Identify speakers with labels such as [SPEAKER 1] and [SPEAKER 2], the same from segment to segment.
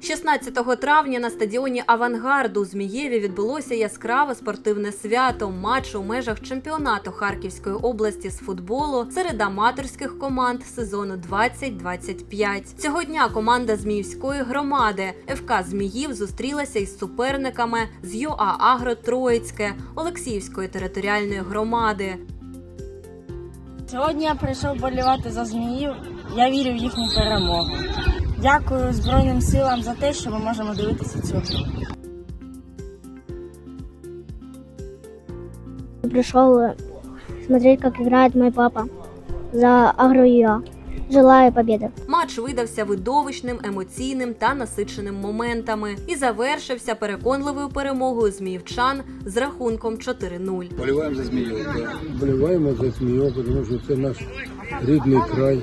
[SPEAKER 1] 16 травня на стадіоні «Авангард» у Змієві відбулося яскраве спортивне свято – матч у межах чемпіонату Харківської області з футболу серед аматорських команд сезону 2025. Цього дня команда Зміївської громади ФК «Зміїв» зустрілася із суперниками з ЮА «Агро Троїцьке» Олексіївської територіальної громади.
[SPEAKER 2] Сьогодні я прийшов вболівати за Зміїв. Я вірю в їхню перемогу. Дякую Збройним силам за те, що ми можемо дивитися цю гру.
[SPEAKER 3] Пришел смотреть, как играет мой папа за Агро-ЮА. Желаю победы.
[SPEAKER 1] Матч видався видовищним, емоційним та насиченим моментами і завершився переконливою перемогою зміївчан з рахунком 4-0.
[SPEAKER 4] Боліваємо за Зміїв.
[SPEAKER 5] Боліваємо за Зміїв, тому що це наш рідний край.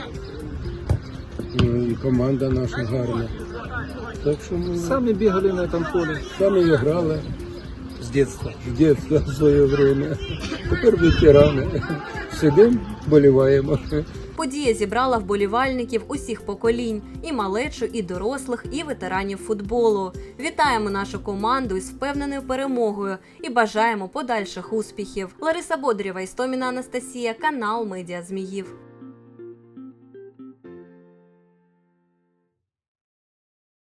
[SPEAKER 5] І команда наша гарна. Так що ми
[SPEAKER 4] Самі бігали на цьому полі.
[SPEAKER 5] самі грали
[SPEAKER 4] З дитинства.
[SPEAKER 5] з дитинства в своє время. Тепер ветерани. Сидимо, боліваємо.
[SPEAKER 1] Подія зібрала вболівальників усіх поколінь – і малечу, і дорослих, і ветеранів футболу. Вітаємо нашу команду із впевненою перемогою і бажаємо подальших успіхів. Лариса Бодрєва, Істоміна Анастасія, канал Медіа Зміїв.